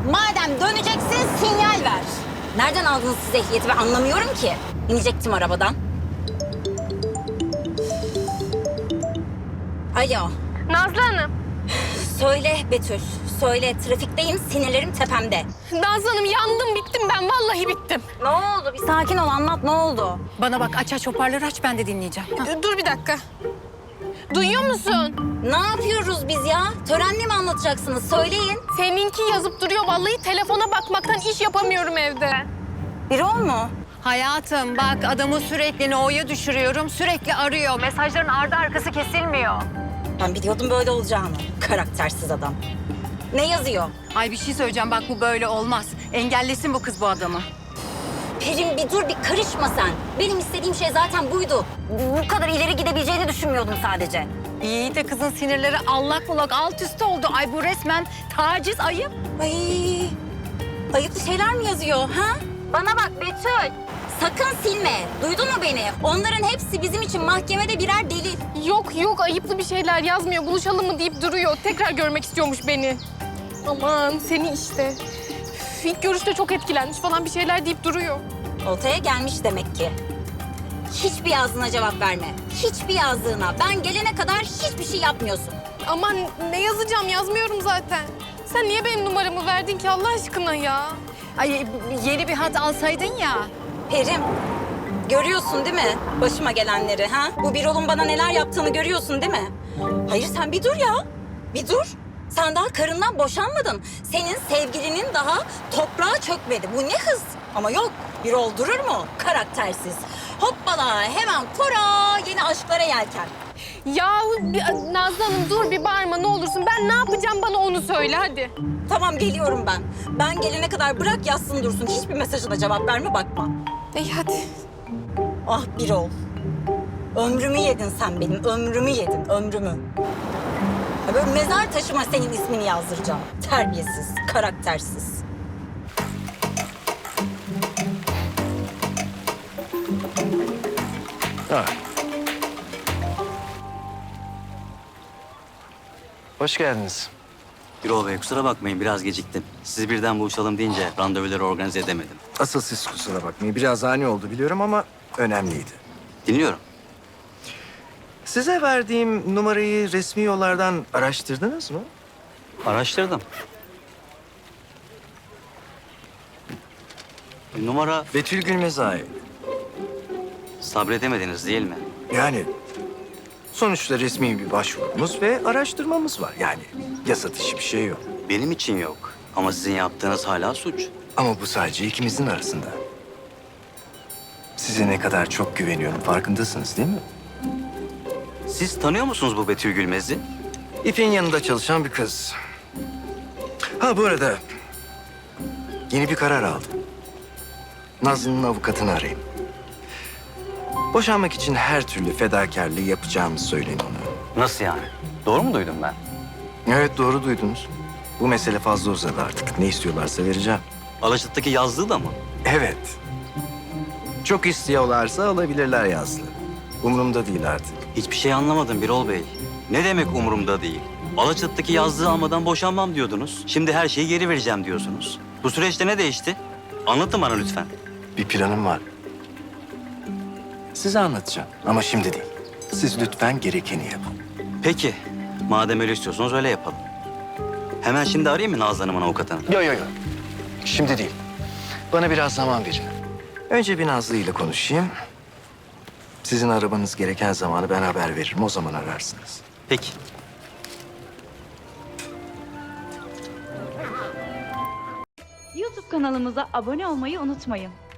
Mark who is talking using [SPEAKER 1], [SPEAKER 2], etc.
[SPEAKER 1] Madem döneceksin sinyal ver. Nereden aldınız siz ehliyeti ben anlamıyorum ki. İnecektim arabadan. Alo.
[SPEAKER 2] Nazlı Hanım.
[SPEAKER 1] Söyle Betül. Söyle trafikteyim sinirlerim tepemde.
[SPEAKER 2] Nazlı Hanım yandım bittim ben vallahi bittim.
[SPEAKER 1] Ne oldu? Bir sakin ol anlat ne oldu?
[SPEAKER 3] Bana bak aç hoparlörü aç ben de dinleyeceğim.
[SPEAKER 2] Dur bir dakika. Duyuyor musun?
[SPEAKER 1] Ne yapıyoruz biz ya? Törenle mi anlatacaksınız? Söyleyin.
[SPEAKER 2] Seninki yazıp duruyor vallahi telefona bakmaktan iş yapamıyorum evde.
[SPEAKER 1] Biri o mu?
[SPEAKER 3] Hayatım bak adamı sürekli no'ya düşürüyorum. Sürekli arıyor. Mesajların ardı arkası kesilmiyor.
[SPEAKER 1] Ben biliyordum böyle olacağını. Karaktersiz adam. Ne yazıyor?
[SPEAKER 3] Ay bir şey söyleyeceğim bak bu böyle olmaz. Engellesin bu kız bu adamı.
[SPEAKER 1] Perim bir dur bir karışma sen. Benim istediğim şey zaten buydu. Bu kadar ileri gidebileceğini düşünmüyordum sadece.
[SPEAKER 3] İyi de kızın sinirleri allak bullak alt üst oldu. Ay bu resmen taciz ayıp.
[SPEAKER 1] Ay, ayıplı şeyler mi yazıyor ha? Bana bak Betül. Sakın silme. Duydun mu beni? Onların hepsi bizim için mahkemede birer delil.
[SPEAKER 2] Yok ayıplı bir şeyler yazmıyor. Buluşalım mı deyip duruyor. Tekrar görmek istiyormuş beni. Aman seni işte. Üf, İlk görüşte çok etkilenmiş falan bir şeyler deyip duruyor.
[SPEAKER 1] Oltaya gelmiş demek ki. Hiçbir yazdığına cevap verme. Hiçbir yazdığına. Ben gelene kadar hiçbir şey yapmıyorsun.
[SPEAKER 2] Aman ne yazacağım yazmıyorum zaten. Sen niye benim numaramı verdin ki Allah aşkına ya?
[SPEAKER 3] Ay yeni bir hat alsaydın ya.
[SPEAKER 1] Perim, görüyorsun değil mi başıma gelenleri ha? Bu Birol'un bana neler yaptığını görüyorsun değil mi? Hayır sen bir dur ya. Bir dur. Sen daha karından boşanmadın. Senin sevgilinin daha toprağa çökmedi. Bu ne hız? Ama yok. Birol durur mu? Karaktersiz. Hoppala hemen kora yeni aşklara yelken.
[SPEAKER 2] Yahu Nazlı Hanım dur bir bağırma ne olursun. Ben ne yapacağım bana onu söyle hadi.
[SPEAKER 1] Tamam geliyorum ben. Ben gelene kadar bırak yazsın dursun. Hiçbir mesajına cevap verme bakma.
[SPEAKER 2] İyi hadi.
[SPEAKER 1] Ah Birol. Ömrümü yedin sen benim. Ömrümü yedin. Ömrümü. Ya böyle mezar taşıma senin ismini yazdıracağım. Terbiyesiz, karaktersiz.
[SPEAKER 4] Ha. Hoş geldiniz.
[SPEAKER 5] Birol Bey kusura bakmayın biraz geciktim. Sizi birden buluşalım deyince randevuları organize edemedim.
[SPEAKER 4] Asıl siz kusura bakmayın. Biraz ani oldu biliyorum ama önemliydi.
[SPEAKER 5] Dinliyorum.
[SPEAKER 4] Size verdiğim numarayı resmi yollardan araştırdınız mı?
[SPEAKER 5] Araştırdım. Numara
[SPEAKER 4] Betül Gülmez'e ait.
[SPEAKER 5] sabredemediniz değil mi?
[SPEAKER 4] Yani sonuçta resmi bir başvurumuz ve araştırmamız var. Yani yasa dışı bir şey yok.
[SPEAKER 5] Benim için yok. Ama sizin yaptığınız hala suç.
[SPEAKER 4] Ama bu sadece ikimizin arasında. Size ne kadar çok güveniyorum farkındasınız değil mi?
[SPEAKER 5] Siz tanıyor musunuz bu Betül Gülmez'i?
[SPEAKER 4] İpek'in yanında çalışan bir kız. Ha bu arada yeni bir karar aldım. Nazlı'nın avukatını arayayım. Boşanmak için her türlü fedakarlığı yapacağımı söyleyin ona.
[SPEAKER 5] Nasıl yani? Doğru mu duydum ben?
[SPEAKER 4] Evet doğru duydunuz. Bu mesele fazla uzadı artık. Ne istiyorlarsa vereceğim.
[SPEAKER 5] Alaçatı'daki yazdığı da mı?
[SPEAKER 4] Evet. Çok istiyorlarsa alabilirler Yazlı. Umurumda değil artık.
[SPEAKER 5] Hiçbir şey anlamadım Birol Bey. Ne demek umurumda değil? Alaçatı'daki yazdığı almadan boşanmam diyordunuz. Şimdi her şeyi geri vereceğim diyorsunuz. Bu süreçte ne değişti? Anlatın bana lütfen.
[SPEAKER 4] Bir planım var. Size anlatacağım ama şimdi değil. Siz lütfen gerekeni yapın.
[SPEAKER 5] Peki. Madem öyle istiyorsanız öyle yapalım. Hemen şimdi arayayım mı Nazlı Hanım'ın avukatını?
[SPEAKER 4] Yok. Şimdi değil. Bana biraz zaman verin. Önce bir Nazlı ile konuşayım. Sizin arabanız gereken zamanı ben haber veririm. O zaman ararsınız.
[SPEAKER 5] Peki.
[SPEAKER 6] YouTube kanalımıza abone olmayı unutmayın.